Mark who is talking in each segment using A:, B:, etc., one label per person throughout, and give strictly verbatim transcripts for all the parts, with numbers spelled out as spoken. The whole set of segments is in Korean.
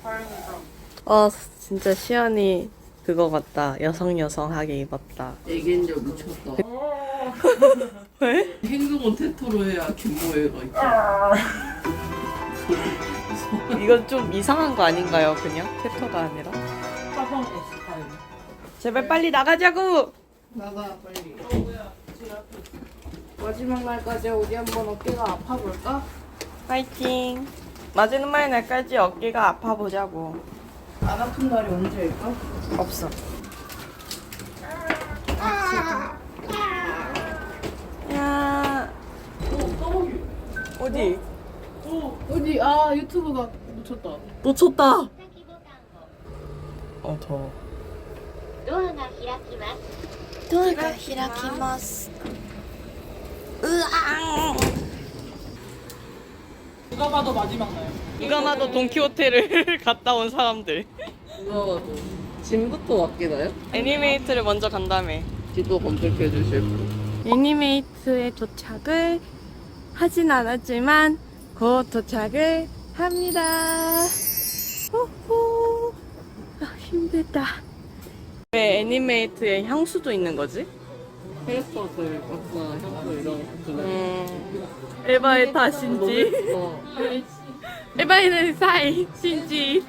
A: 어 진짜 시연이 그거 같다. 여성 여성하게 입었다.
B: 애견녀 미쳤다.
A: 왜?
B: 행동은 테토로 해야 김모애가 있다.
A: 이건 좀 이상한 거 아닌가요? 그냥 테토가 아니라.
B: 화성 S타일.
A: 제발 빨리 나가자고.
B: 나가 빨리.
C: 마지막 날까지 우리 한번 어깨가 아파볼까?
A: 파이팅. 마지막 날까지 어깨가 아파 보자고.
C: 안 아픈 날이 언제일까?
A: 없어. 야. 어디?
C: 어디? 아 유튜브가 놓쳤다.
A: 놓쳤다. 어 더워.
D: ドアが開きます。
A: ドアが開きます。うわ
B: 누가 봐도 마지막 날.
A: 누가 봐도 돈키호테를 갔다 온 사람들.
B: 누가 봐도. 짐부터 맡기나요?
A: 애니메이트를 먼저 간다며.
B: 지도 검색해 주실 분.
A: 애니메이트에 도착을 하진 않았지만 곧 도착을 합니다. 호호. 아, 힘들다. 왜 애니메이트에 향수도 있는 거지?
B: 캐릭터들 각자 향수 이런 것들.
A: 음, 에바의 탓인지
B: 어.
A: 에바의 사이 신지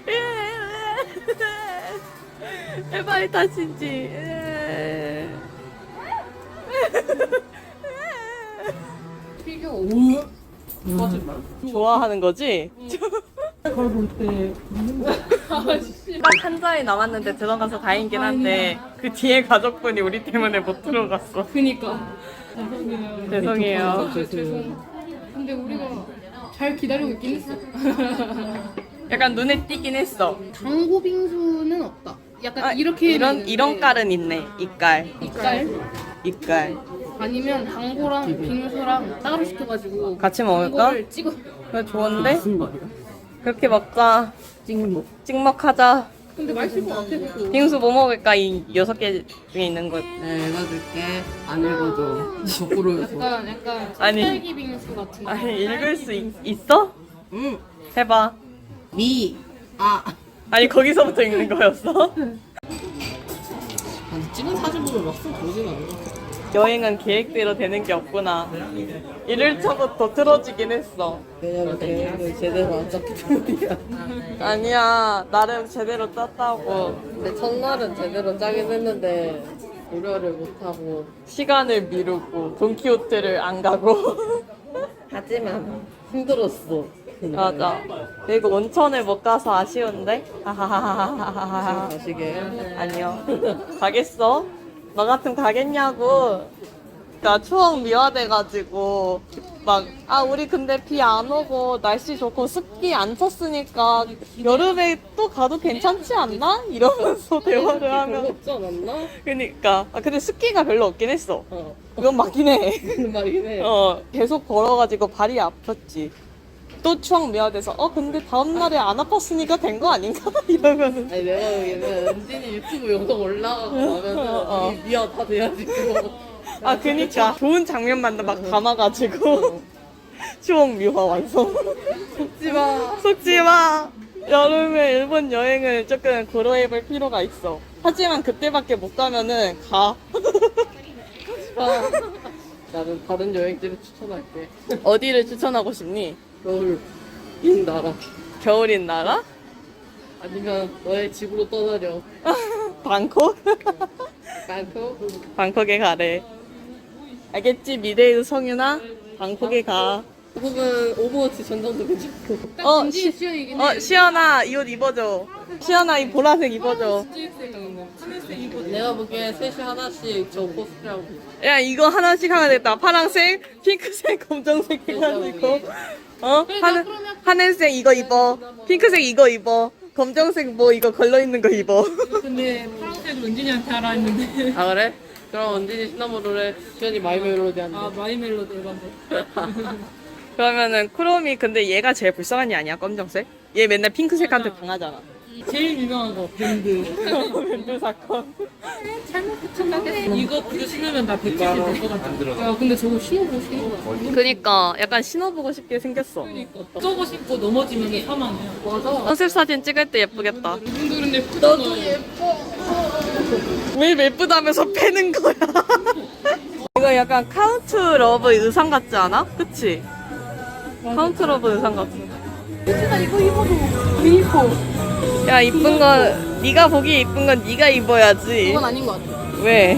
A: 에바의 탓인지
B: 피규어 오. 거짓말.
A: 좋아하는 거지?
B: 그걸 볼 때.
A: 딱 한 잔이 남았는데 들어가서 다행이긴 한데 그 뒤에 가족분이 우리 때문에 못 들어갔어.
C: 그니까.
A: 죄송해요.
B: 죄송.
C: 근데 우리가 잘 기다리고 있긴 했어.
A: 약간 눈에 띄긴 했어.
C: 당고 빙수는 없다. 약간
A: 아,
C: 이렇게
A: 이런
C: 있는데
A: 이런 깔은 있네. 이깔
C: 이깔
A: 이깔
C: 아니면 당고랑 빙수랑 따로 시켜가지고
A: 같이 먹을까?
C: 당고를 찍어.
A: 그래 좋은데?
B: 무슨 말이야?
A: 그렇게 먹자.
B: 찍먹.
A: 찍먹하자.
C: 근데 맛있을 것 같아. 그거.
A: 빙수 뭐 먹을까? 이 여섯 개 중에 있는 거.
B: 네, 읽어줄게. 안 읽어줘. 거꾸로 해서.
C: 약간 약간
A: 아니.
C: 딸기 빙수 같은 거.
A: 아니 읽을 수 있, 있어?
B: 응.
A: 해봐.
B: 미. 아.
A: 아니 거기서부터 읽는 거였어?
B: 아니, 찍은 사진 보면 막상 보진 않아.
A: 여행은 계획대로 되는 게 없구나. 일 일차부터 틀어지긴 했어.
B: 왜냐면 계획을 제대로 안 짰기 때문이야.
A: 아니야, 나름 제대로 짰다고.
B: 근데 첫날은 제대로 짜긴 했는데 고려를 못하고.
A: 시간을 미루고 돈키호테를 안 가고.
B: 하지만 힘들었어.
A: 맞아. 그리고 온천을 못 가서 아쉬운데? 하하하하하하.
B: 가시게.
A: 아니요. 가겠어? 너 같으면 가겠냐고. 나 추억 미화돼가지고 막 아 우리 근데 비 안 오고 날씨 좋고 습기 안 찼으니까 여름에 또 가도 괜찮지 않나? 이러면서 대화를
B: 별로
A: 하면
B: 없지 않았나?
A: 그니까 아 근데 습기가 별로 없긴 했어.
B: 어.
A: 그건 맞긴 해.
B: 그런 말이긴 해.
A: 어 계속 걸어가지고 발이 아팠지. 또 추억 미화돼서 어 근데 다음날에 안 아팠으니까 된 거 아닌가? 이러면은
B: 아니 내가 보기에는 은진이 유튜브 영상 올라가고 나면은
A: 어, 어.
B: 이 미아 다 돼야지 그거.
A: 아 그니까 좋은 장면만 막 담아가지고 추억 미화 완성.
B: 속지마.
A: 속지마. 여름에 일본 여행을 조금 고려해볼 필요가 있어. 하지만 그때밖에 못 가면은 가.
B: 아, 나는 다른 여행지를 추천할게.
A: 어디를 추천하고 싶니?
B: 겨울 인 나라.
A: 겨울인 나라?
B: 아니면 너의 집으로 떠나려.
A: 방콕?
B: 방콕.
A: 방콕에 가래. 알겠지? 미래의 성윤아? 방콕에 가.
B: 혹은 오버워치 전장도 괜찮고.
A: 어,
C: 진지
A: 시,
C: 수영이긴
A: 어,
C: 해.
A: 시연아, 이 옷 입어줘. 시연아, 이 보라색 입어줘.
B: 내가 보기엔 셋이 하나씩 저 코스프레하고 있어.
A: 야, 이거 하나씩 하면 되겠다. 파랑색, 핑크색, 검정색 해가지고. 어? 하늘, 하늘색 이거 입어. 핑크색 이거 입어. 검정색 뭐 이거 걸러있는 거 입어.
C: 근데 파란색을 은진이한테 하라 했는데.
B: 아 그래? 그럼 언진이 시나모로래, 시연이 마이 멜로디 한대.
C: 아 마이 멜로디 일반데.
A: 그러면은 크롬이 근데 얘가 제일 불쌍한 애 아니야? 검정색? 얘 맨날 핑크색한테 당하잖아.
C: 음 제일 유명한 거 밴드.
A: 밴드 사건.
C: 이거 이거 신으면 나 백칠십 될것 같아. 야 근데 저거 신어보고 싶어.
A: 그니까 약간 신어보고 싶게 생겼어.
C: 저거 신고 넘어지면 사망이야. 맞아.
A: 컨셉 사진 찍을 때 예쁘겠다.
C: 이분들은 예쁘잖아. 나도 예뻐.
A: 왜 예쁘다면서 패는 거야? 이거 약간 카운트 러브 의상 같지 않아? 그치? 카운트 러브 의상 같아.
C: 나 이거 입어도 왜 입어?
A: 야 이쁜 건 네가 보기 이쁜 건 네가 입어야지.
C: 그건 아닌 것 같아.
A: 왜?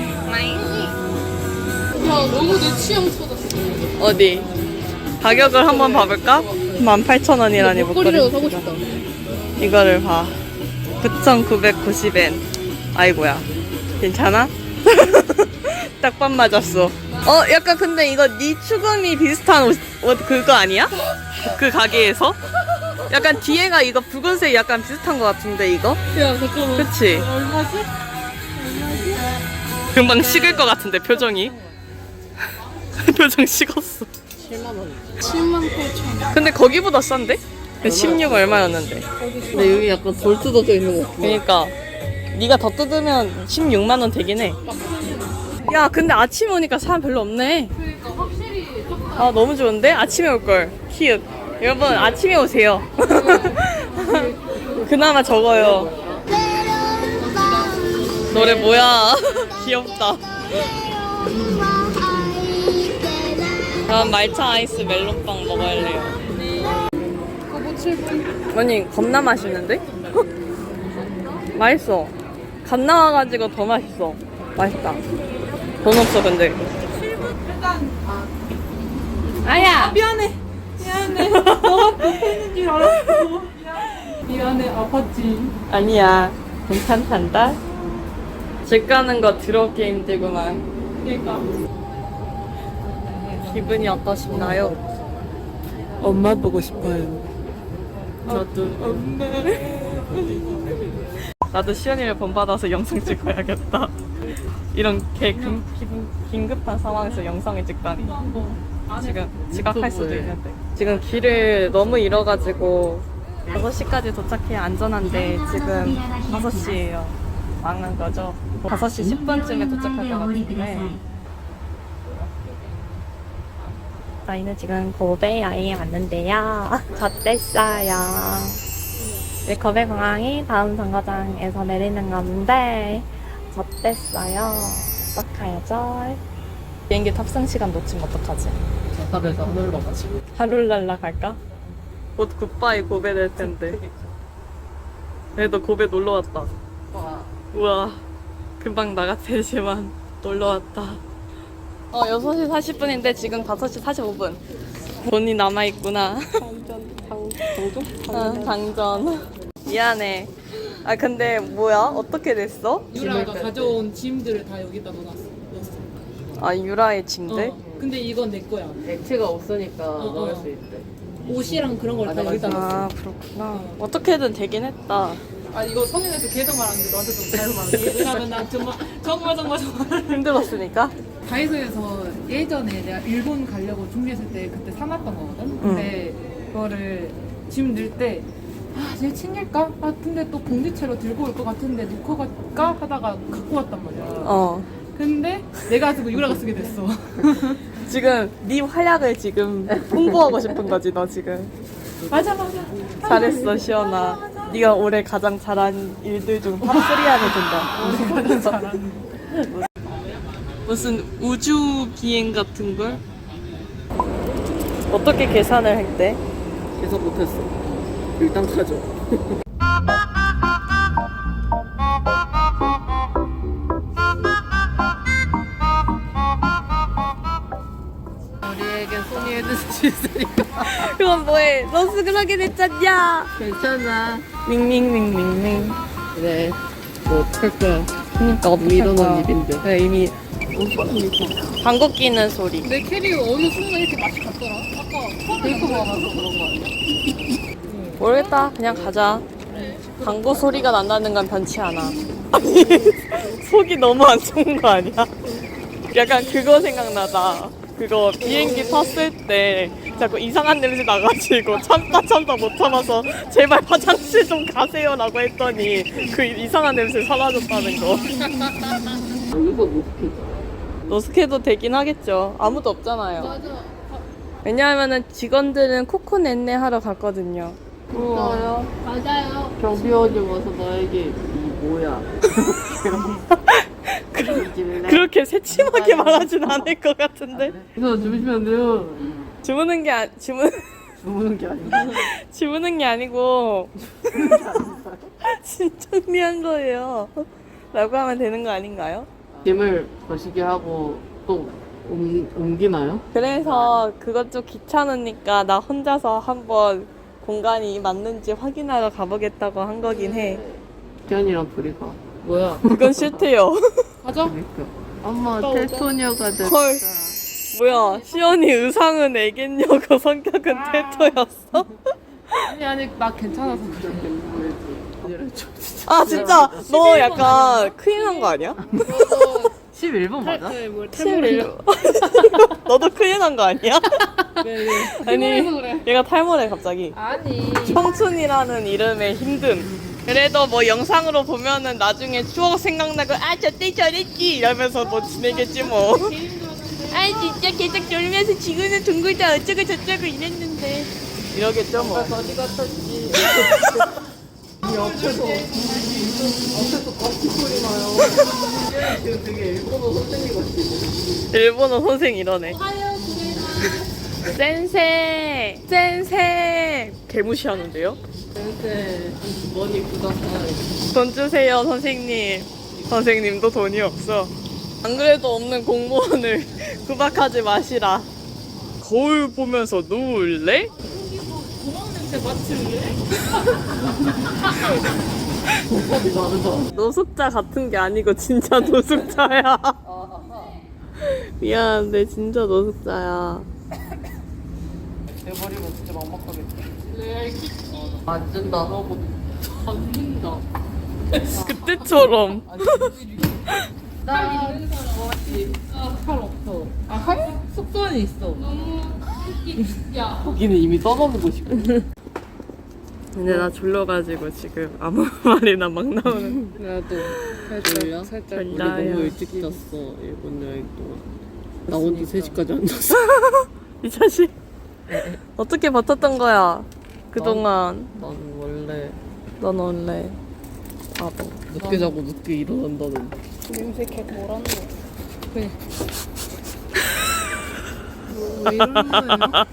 C: 야 너무 내 취향 찾았어.
A: 어디? 가격을 한번 봐볼까? 만 팔천 원이라니
C: 목걸이라도
A: 목걸이.
C: 사고 싶다.
A: 이거를 봐. 구천구백구십 엔. 아이고야. 괜찮아? 딱 반 맞았어. 어, 약간 근데 이거 네 추금이 비슷한 옷, 옷 그거 아니야? 그 가게에서? 약간 뒤에가 이거 붉은색 약간 비슷한 것 같은데 이거?
C: 야 잠깐만.
A: 그치?
C: 얼마지?
A: 금방 식을 것 같은데 표정이. 표정 식었어.
C: 칠만 원. 칠만 팔천 원.
A: 근데 거기보다 싼데? 십육 얼마였는데?
B: 근데 여기 약간 돌 뜯어져 있는 거 같아.
A: 그러니까 네가 더 뜯으면 십육만 원 되긴 해. 야 근데 아침에 오니까 사람 별로 없네.
C: 그러니까 확실히
A: 아 너무 좋은데? 아침에 올걸. 키읔. 여러분 아침에 오세요. 그나마 적어요. 노래 뭐야? 귀엽다. 난 말차 아이스 멜론빵 먹을래요.
C: 그거 칠 분.
A: 아니 겁나 맛있는데? 맛있어. 갓 나와가지고 더 맛있어. 맛있다. 돈 없어 근데. 아야.
C: 미안해. 미안해. 너가 뺏는 줄 알았어. 미안해. 아팠지.
A: 아니야. 괜찮단다. 집 가는 거 더럽게 힘들구만.
C: 그러니까.
A: 기분이 어떠신가요?
B: 엄마 보고 싶어요.
A: 저도. 나도 시연이를 본받아서 영상 찍어야겠다. 이런 개 긴, 긴, 긴급한 상황에서 영상을 찍다니. 지금 지각할 수도 있는데. 지금 길을 너무 잃어가지고 다섯 시까지 도착해야 안전한데 지금 다섯 시예요. 망한 거죠. 다섯 시 십 분쯤에 도착할 것 같은데. 저희는 지금 고베야에 왔는데요. 젖됐어요. 네, 거베 공항이 다음 정거장에서 내리는 건데 젖됐어요. 어떡하죠? 비행기 탑승 시간 놓치면 어떡하지?
B: 자살에서 하늘로 가지고.
A: 하루 날라갈까? 곧 굿바이 고베 될 텐데. 그래도 고베 놀러 왔다. 우와, 금방 나갔지만 놀러 왔다. 어, 여섯 시 사십 분인데 지금 다섯 시 사십오 분. 돈이 남아있구나.
B: 당전, 당, 당전?
A: 어, 당전. 미안해. 아, 근데 뭐야? 어떻게 됐어?
C: 유라가 가져온 짐들을 다 여기다 넣어놨어. 넣었어.
A: 아, 유라의 침대?
C: 어. 근데 이건 내 거야.
B: 액체가 없으니까
C: 어, 어.
B: 넣을 수 있대.
C: 옷이랑 그런 걸 다
B: 맞아,
C: 여기다 넣었어.
A: 아, 그렇구나. 어떻게든 되긴 했다.
C: 아 이거 성인에서 계속 말하는데 너한테 좀 잘못 말하는 왜냐면 난 정말 정말 정말 정말
A: 힘들었으니까?
E: 다이소에서 예전에 내가 일본 가려고 준비했을 때 그때 사놨던 거거든? 근데 그거를 짐 넣을 때 아, 쟤 챙길까? 아, 근데 또 봉지채로 들고 올 것 같은데 놓고 갈까? 하다가 갖고 왔단 말이야.
A: 어.
E: 근데 내가 쓰고 유라가 쓰게 됐어.
A: 지금 네 활약을 지금 홍보하고 싶은 거지, 너 지금.
E: 맞아, 맞아.
A: 잘했어, 시연아. 네가 올해 가장 잘한 일들 중 탑 쓰리 안에 든다.
E: 잘하는.
A: 무슨 우주 비행 같은 걸? 어떻게 계산을 할 때?
B: 계속 못했어. 일단 가져. 우리에게 손이 해줄 수 있으니까.
A: 그건 뭐해? 너스 그러게 됐잖냐?
B: 괜찮아.
A: 밍밍밍밍밍.
B: 그래. 뭐 어떡할 거야.
A: 그니까 어떡할
B: 믿어놓은
A: 거야.
B: 입인데.
A: 그래, 이미 방귀 끼는 소리.
C: 내 캐리어 어느 순간 이렇게 맛이 갔더라. 아까
B: 데이터 먹어서 그런 거 아니야?
A: 모르겠다. 그냥 가자. 방구 소리가 난다는 건 변치 않아. 아니, 속이 너무 안 좋은 거 아니야? 약간 그거 생각나다. 그거 비행기 탔을 때 자꾸 이상한 냄새 나가지고 참다 참다 못 참아서 제발 화장실 좀 가세요라고 했더니 그 이상한 냄새 사라졌다는 거.
B: 여기서 노스케.
A: 노스케도 되긴 하겠죠. 아무도 없잖아요.
C: 맞아.
A: 왜냐하면은 직원들은 코코넷네 하러 갔거든요.
B: 진짜요?
C: 맞아요.
B: 경비원이 와서 나에게 이 뭐야?
A: 그렇게 새침하게 말하진 않을 것 같은데.
B: 이거 주무시면 안 돼요.
A: 주무는 게 아, 주무
B: 주무는 게 아니고.
A: 주무는 게 아니고 진정리한 거예요. 라고 하면 되는 거 아닌가요?
B: 짐을 거시기 하고 또 옮, 옮기나요?
A: 그래서 그것 좀 귀찮으니까 나 혼자서 한번 공간이 맞는지 확인하러 가보겠다고 한 거긴 해.
B: 태연이랑 둘이 가. 뭐야?
A: 그건 싫대요.
C: 가자.
B: 그러니까. 엄마 테토녀가 됐다.
A: 헐. 뭐야, 시연이 의상은 애견녀고 성격은 테토였어?
E: 아니 아니 나 괜찮아서 그래.
A: 아 진짜 너 약간 큰일 난 거 아니야?
B: 십일 번 맞아?
C: 네, 뭘
A: 십일. 너도 큰일 난 거 아니야?
C: 네, 네.
A: 아니
C: 그래.
A: 얘가 탈모래 갑자기.
E: 아니
A: 청춘이라는 이름의 힘듦. 그래도 뭐 영상으로 보면은 나중에 추억 생각나고 아 저때 저랬지 이러면서 뭐 지내겠지 뭐. 아 진짜 계속 놀면서 지구는 둥글다 어쩌고 저쩌고 이랬는데 이러겠죠 뭐.
B: 어디 갔었지? 이 앞에서 앞에서 같이 소리 나요. 지금 되게 일본어 선생님 같지?
A: 일본어 선생 이러네. 센세 센세 개무시하는데요?
B: 센세 머니 구다사이.
A: 돈 주세요 선생님. 선생님도 돈이 없어. 안 그래도 없는 공무원을 구박하지 마시라. 거울 보면서 누울래?
B: 도법이 다르다.
A: 노숙자 같은 게 아니고 진짜 노숙자야. 미안한데 진짜 노숙자야.
B: 내버리면 진짜 막막하겠다. 안 준다.
C: 안 된다.
A: 그때처럼.
C: 나 뭐지? 아칼 없어. 아 칼? 숙소는 있어. 너무 야.
B: 거기는 이미 떠나보고 싶어.
A: 근데 나 졸려가지고 지금 아무 말이나 막 나오는.
B: 나도
C: 졸려?
B: 살짝 우리
A: 졸려요.
B: 너무 일찍 잤어. 일본 여행 동안. 나 혼자 세 시까지 안 잤어.
A: 이 자식. 어떻게 버텼던 거야? 그동안.
B: 나는 원래
A: 넌 원래 바보.
B: 늦게 자고 늦게 일어난다는.
C: 냄새 개 뭐라는 거. 그래. 뭐, 왜 이러는 거예요?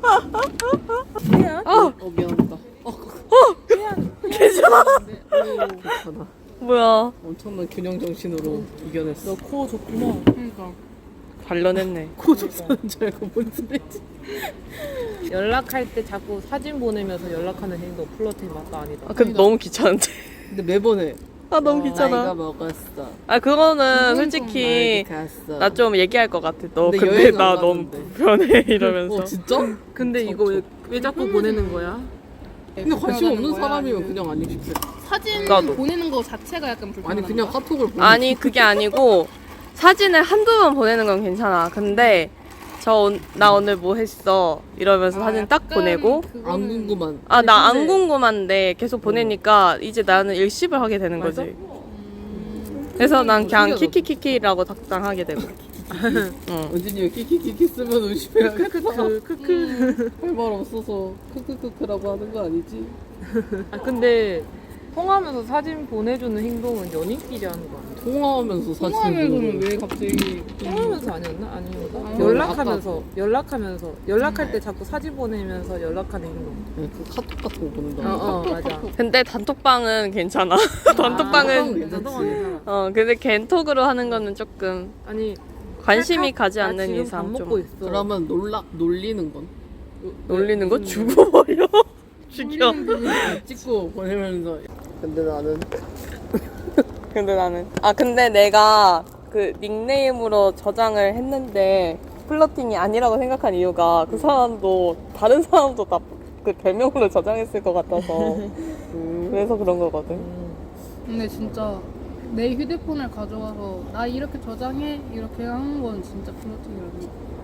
A: 어!
B: 어 미안하다. 어
A: 괜찮아.
B: 괜찮아.
A: 뭐야?
B: 엄청난 균형 정신으로 이겨냈어.
C: 코 좋구나. 그러니까.
A: 관련했네.
B: 고집사는 줄 알고 뭔 소리지?
E: 연락할 때 자꾸 사진 보내면서 연락하는 행동 플러팅 맞다 아니다.
A: 아 근데 너무 귀찮은데.
B: 근데 매번 해.
A: 아 너무
B: 나이가
A: 귀찮아.
B: 먹었어.
A: 아 그거는 솔직히
B: 어디 갔어.
A: 나 좀 얘기할 것 같아. 너
B: 근데
A: 근데
B: 여행을
A: 나
B: 안
A: 너무
B: 가는데.
A: 불편해 이러면서.
B: 어 진짜?
E: 근데 이거 왜, 왜 자꾸 보내는 거야?
B: 근데 관심 없는 사람이면 그냥 안 읽힐 거.
C: 사진
A: 나도.
C: 보내는 거 자체가 약간 불편한
B: 아니 그냥
C: 거야?
B: 카톡을 보내.
A: 아니 그게 아니고 사진을 한두 번 보내는 건 괜찮아. 근데 저 나 오늘 뭐 했어 이러면서 사진 딱
C: 약간
A: 보내고
B: 안
C: 그거는-
B: 궁금한.
A: 아 나 안
B: 근데-
A: 궁금한데 계속 보내니까 이제 나는 일십을 하게 되는
B: 맞아?
A: 거지. 그래서 난 그냥
B: 신기하다.
A: 키키키키라고 답장하게 되고. 응.
B: 은진이 왜 키키키키 쓰면 의심해야겠다. 크크크. 할 말 없어서 크크크크라고 하는 거 아니지?
E: 아 근데 통화하면서 사진 보내주는 행동은 연인끼리 하는 거 아니야?
B: 통화하면서 사진
C: 통화하면서는
B: 보내고.
C: 왜 갑자기
E: 통화하면서 아니었나? 아니었나?
C: 아,
E: 연락하면서 연락하면서 연락할 때 자꾸 사진 보내면서 연락하는 행동.
B: 네, 그 카톡 같은 거 보낸다.
E: 어, 어 맞아.
A: 근데 단톡방은 괜찮아. 단톡방은
B: 괜찮지.
A: 어 근데 겐톡으로 하는 거는 조금
E: 아니
A: 관심이
E: 카-
A: 가지
E: 나
A: 않는
E: 지금
A: 이상
E: 밥
A: 좀
E: 먹고 있어.
B: 그러면 놀락 놀리는 건?
A: 놀리는 거 죽어버려. 죽여.
B: 찍고 보내면서. 근데 나는
A: 근데 나는 아 근데 내가 그 닉네임으로 저장을 했는데 플러팅이 아니라고 생각한 이유가 그 사람도 다른 사람도 다 그 별명으로 저장했을 것 같아서 그래서 그런 거거든.
C: 근데 진짜 내 휴대폰을 가져와서 나 이렇게 저장해 이렇게 하는 건 진짜 플러팅이라고 생각해.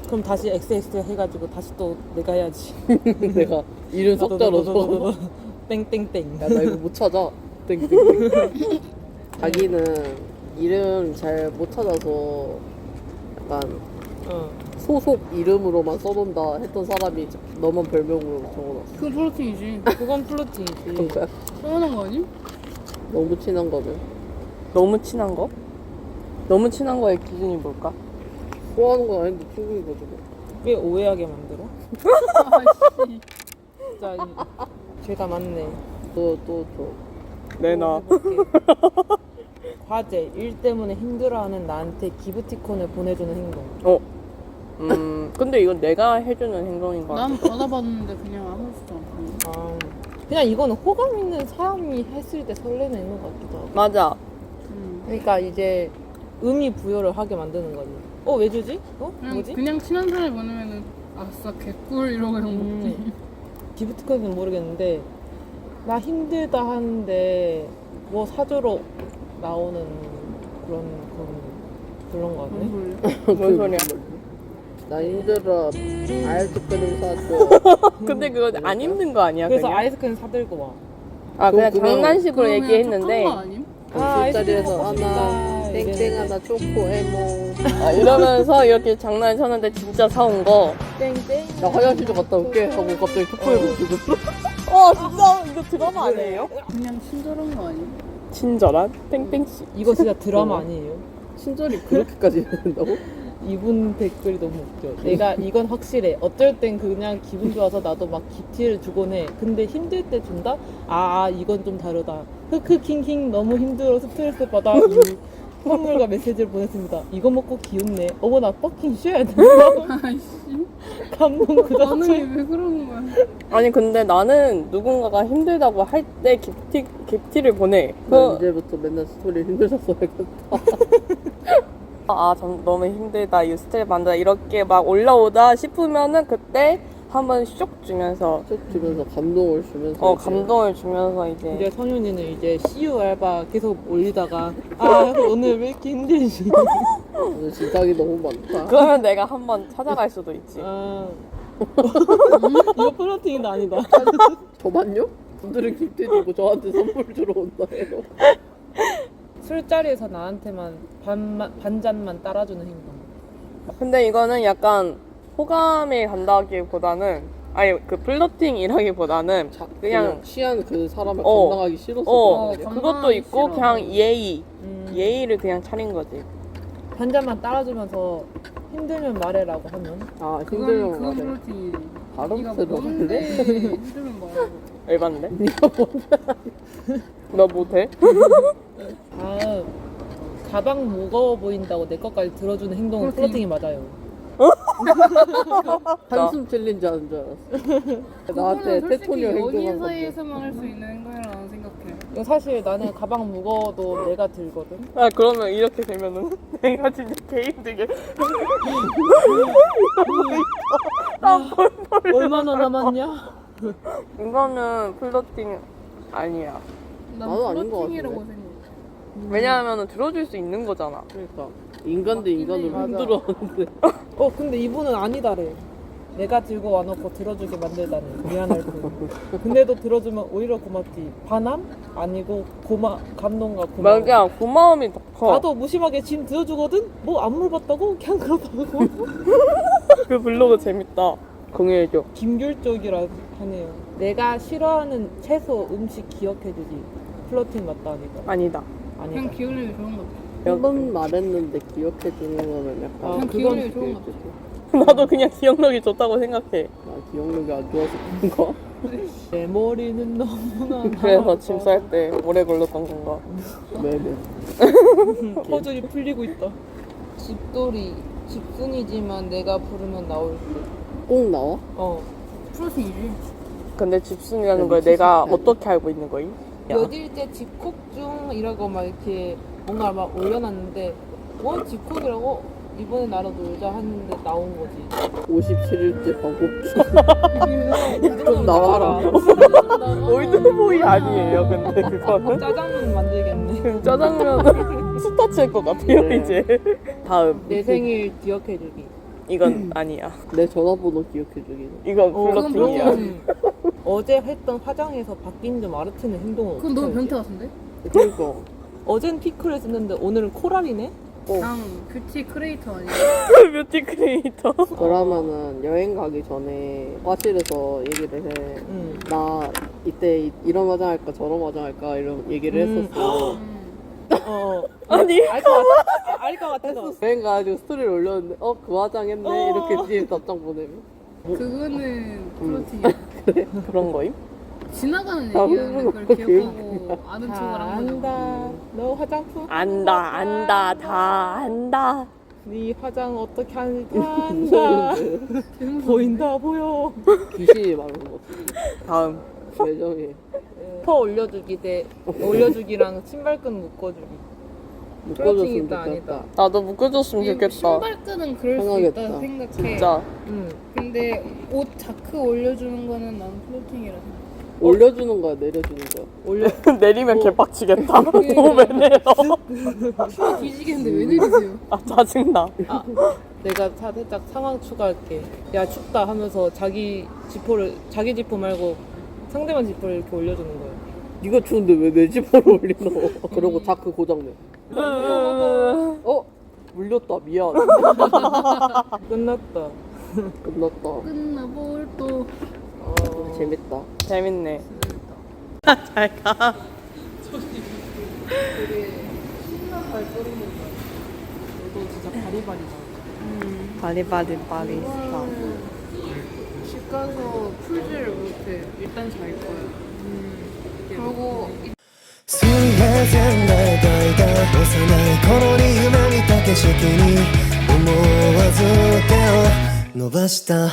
B: 그럼 다시 엑스엑스 해가지고 다시 또 내가 해야지.
F: 내가 이름 섞자로 줘.
B: 땡땡땡.
F: 야, 나 이거 못 찾아. 땡땡땡. 자기는 이름 잘 못 찾아서 약간
B: 어.
F: 소속 이름으로만 써놓는다 했던 사람이 너만 별명으로 적어놨어.
E: 그건 플로팅이지.
B: 그건 플로팅이지.
F: 그런 거야?
E: 서운한 거 아님?
F: 너무 친한 거면.
A: 너무 친한 거? 너무 친한 거의 기준이 뭘까?
F: 좋아하는 건 아닌데 친구인 거지 뭐.
B: 왜 오해하게 만들어?
E: 아씨.
B: 진짜 이- 죄가 많네.
F: 또, 또, 또.
A: 내놔.
B: 또 해볼게. 과제, 일 때문에 힘들어하는 나한테 기프티콘을 보내주는 행동.
A: 어. 음, 근데 이건 내가 해주는 행동인 것 같아.
E: 난 받아봤는데 그냥 아무렇지도 않고.
B: 아, 그냥 이거는 호감 있는 사람이 했을 때 설레는 행동 같기도 하고.
A: 맞아.
E: 음.
B: 그러니까 이제 의미 부여를 하게 만드는 거지. 어, 왜 주지? 어?
E: 그냥,
B: 뭐지?
E: 그냥 친한 사람이 보내면은 아싸 개꿀 이러고 그냥 먹지.
B: 음, 기프티콘은 모르겠는데 나 힘들다 하는데 뭐 사주러 나오는 그런 그런 그런 거 같네.
A: 뭔 소리야?
F: 나 힘들어. 아이스크림 사줘.
A: 근데 그거 안 힘든 거 아니야?
B: 그래서
A: 그냥?
B: 아이스크림 사들고 와.
A: 아, 그냥
F: 그럼 그냥-
A: 장난식으로
E: 그러면
A: 얘기했는데.
E: 착한 거 아님?
B: 아,
F: 술자리에서
B: 아이스크림 먹고
F: 하나,
B: 싶다.
F: 땡땡
B: 이랬는데.
F: 하나, 초코, 에모.
A: 아, 이러면서 이렇게 장난을 쳤는데 진짜 사온 거.
B: 땡땡.
F: 나 화장실 좀 갔다 올게 하고 갑자기 초코에 묻히고.
A: 어, 진짜 이거 드라마 아니에요?
E: 그냥 친절한 거 아님?
A: 친절한 땡땡씨.
B: 이거 진짜 드라마 아니에요?
F: 친절이 그렇게까지 해야 된다고?
B: 이분 댓글이 너무 웃겨. 내가 이건 확실해. 어쩔 땐 그냥 기분 좋아서 나도 막 기티를 주곤 해. 근데 힘들 때 준다? 아, 아 이건 좀 다르다. 흑흑 킹킹 너무 힘들어 스트레스 받아. 유. 선물과 메시지를 보냈습니다. 이거 먹고 기운내. 어머 나 퍼킹 쉬어야 된다.
E: 아이씨.
B: 감동 그 자체.
E: 반응이 왜 그러는 거야?
A: 아니 근데 나는 누군가가 힘들다고 할 때 기프티, 기프티를 보내.
F: 나
A: 그,
F: 이제부터 맨날 스토리 힘들다 써야겠다.
A: 아, 전 너무 힘들다, 이 스트레스 받는다 이렇게 막 올라오다 싶으면은 그때 한번 쇽 주면서
F: 쭉 주면서 감동을 주면서.
A: 어
F: 이제
A: 감동을 주면서 이제
B: 이제 성윤이는 이제 씨유 알바 계속 올리다가 아 오늘 왜 이렇게 힘들지?
F: 오늘 진상이 너무 많다.
A: 그러면 내가 한번 찾아갈 수도 있지.
B: 아 이거 플러팅이 아니다.
F: 저만요? 분들은 기프트 주고 저한테 선물 주러 온다해요.
B: 술자리에서 나한테만 반만, 반잔만 따라주는 행동.
A: 근데 이거는 약간 호감이 간다기보다는 아니 그 플러팅이라기보다는
F: 자,
A: 그냥
F: 그냥 취한 그 사람을
A: 어.
F: 감당하기 싫어서
A: 어
F: 그런 거야.
A: 그것도 있고
E: 싫어.
A: 그냥 예의
B: 음,
A: 예의를 그냥 차린 거지.
B: 반잔만 따라주면서 힘들면 말해라고 하면
F: 아
E: 그건
F: 힘들면
E: 그건
F: 말해.
E: 그렇지.
F: 바로
E: 네가
F: 들어갈래?
E: 뭔데 힘들면 말하고.
A: 열받네.
F: 네가 뭔데?
A: 너 못해?
B: 아 가방 무거워 보인다고 내 것까지 들어주는 행동은 플러팅이 맞아요.
F: 한숨 챌린지 하는 줄 알았어. 나한테 테토니오
E: 연인
F: 행동한 건데.
E: 사이에서만 할 수 있는 행동이라고 생각해.
B: 이거 사실 나는 가방 무거워도 내가 들거든.
A: 아 그러면 이렇게 되면은 내가 진짜 개 힘들게.
B: 얼마나 남았냐?
A: 이거는 플러팅 아니야.
E: 난
F: 나도 아닌 것
E: 플러팅이라고
F: 같은데.
E: 생각해.
A: 왜냐하면 들어줄 수 있는 거잖아.
F: 그러니까 인간 대 인간으로
B: 맞아.
F: 힘들어하는데.
B: 어 근데 이분은 아니다래. 내가 들고 와놓고 들어주게 만들다니 미안할 뿐. 근데도 들어주면 오히려 고맙지. 반함? 아니고 고마 감동과 고마움.
A: 맞아 고마움이 더 커.
B: 나도 무심하게 짐 들어주거든? 뭐 안 물어봤다고? 그냥 그렇다고.
A: 그 블로그 재밌다. 공유해줘.
B: 김귤적이라 하네요. 내가 싫어하는 채소 음식 기억해주지. 플러팅 맞다 아니다.
A: 아니다.
B: 아니다.
E: 그냥 기울이기 좋은 거.
F: 한 번 말했는데 기억해 주는 거면 약간.
B: 아,
E: 그냥
B: 그건
E: 기울이기 좋은 거.
A: 나도 그냥 기억력이 좋다고 생각해.
F: 아 기억력이 안 좋아서 그런가?
B: 내 머리는 너무나
A: 그래서 짐 쌀 때 오래 걸렸던 건가.
F: 네네.
B: 퍼즐이 풀리고 있다. 집돌이 집순이지만 내가 부르면 나올 때.
F: 꼭 나와?
B: 어.
E: 플러팅이지.
A: 근데 집순이라는 걸 내가 어떻게 알고 있는 거임?
B: 몇일째 집콕 중 이라고 막 이렇게 뭔가 막 올려놨는데 뭐 집콕이라고? 이번에 나랑 놀자 했는데 나온 거지.
F: 오십칠 일째 방콕. 좀 나와라.
A: 올드보이 아니에요, 근데 그거는?
B: 짜장면 만들겠네.
A: 그럼 짜장면 스타치일 것 같아요,
F: 네.
A: 이제. 다음.
B: 내 생일 기억해주기.
A: 이건 아니야.
F: 내 전화번호 기억해주기는.
A: 이건
B: 어,
A: 플러팅이야.
E: 그건
B: 어제 했던 화장에서 바뀐 점 알아채는 행동은
E: 그건 너무
B: 어떻게
E: 변태
B: 하지?
E: 같은데?
F: 그러니까.
B: 어젠 피클을 썼는데 오늘은 코랄이네?
E: 그냥 뷰티 크리에이터 아니야?
A: 뷰티 크리에이터.
F: 그러면은 여행 가기 전에 화실에서 얘기를 해.
B: 응.
F: 나 이때 이- 이런 화장할까 저런 화장할까 이런 얘기를
B: 음.
F: 했었어.
E: 음.
B: 어.
A: 아니.
B: 알 것 같아. 알 것 같아서.
F: 여행 가가지고 스토리를 올렸는데 어 그 화장했네 이렇게 뒤에 답장 보내면.
E: 그거는 플러팅이야.
A: 그런 거임?
E: 지나가는
F: 아,
E: 얘기하는데 그걸
F: 그거
E: 기억하고 아는 척을
B: 다
E: 한 거냐고.
B: 안다. 너 화장품
A: 안다, 안다, 다 안다.
B: 네 화장 어떻게 하는지 다 안다. 보인다 보여.
F: 귀신이 말하는 거 같아.
A: 다음.
F: 매정해.
B: 퍼 올려주기 대 올려주기랑 신발끈 묶어주기.
F: 묶어줬으면
B: 플러팅이다,
F: 좋겠다.
B: 아니다.
A: 나도 묶어줬으면 좋겠다.
E: 신발끈은 그럴 수
F: 생각했다.
E: 있다 생각해.
A: 진짜.
B: 응.
E: 근데 옷 자크 올려주는 거는 난 플러팅이라 생각해.
F: 올려주는 거야 내려주는 거야.
B: 올려.
A: 내리면 개빡치겠다. 너무 왜 내려?
E: 뒤지겠는데 왜 내리세요?
A: 아, 짜증나.
B: 아, 내가 사- 살짝 상황 추가할게. 야 춥다 하면서 자기 지퍼를 자기 지퍼 말고 상대방 지퍼를 이렇게 올려주는 거야.
F: 네가 추운데 왜 내 집으로 올리노? 그러고 자크 고장내. 어? 물렸다 미안.
B: 끝났다.
F: 끝났다.
E: 끝나볼 또.
F: 어, 재밌다.
A: 재밌네. 잘 가.
B: 너도 진짜 바리바리다.
A: 바리바리 바리스타.
E: 집 가서 풀지를 못해. 일단 잘 거야. 그리고
G: 水平線が描いた幼い頃に夢見た景色に思わず手を伸ばした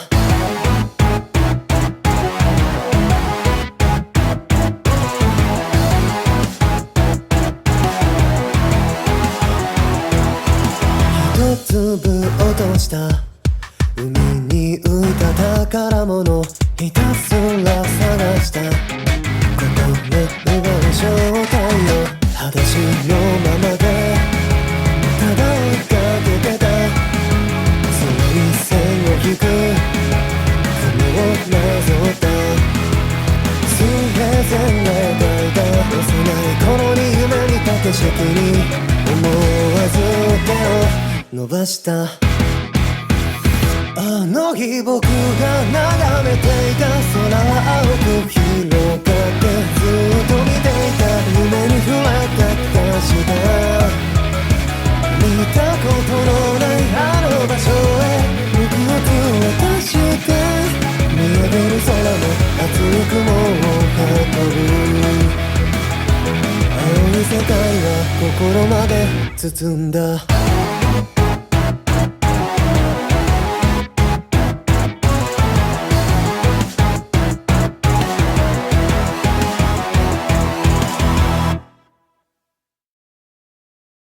G: 一粒落とした海に浮いた宝物ひたすら探した心奪う正体を裸足のままでただ追いかけてたその一線を引く雲をなぞった水平線が描いた幼い頃に夢見た景色に思わず手を伸ばしたあの日僕が眺めていた空は青く広がってずっと見ていた夢に触れた気がした見たことのないあの場所へ僕を渡して見上げる空の厚い雲を運ぶ青い世界は心まで包んだ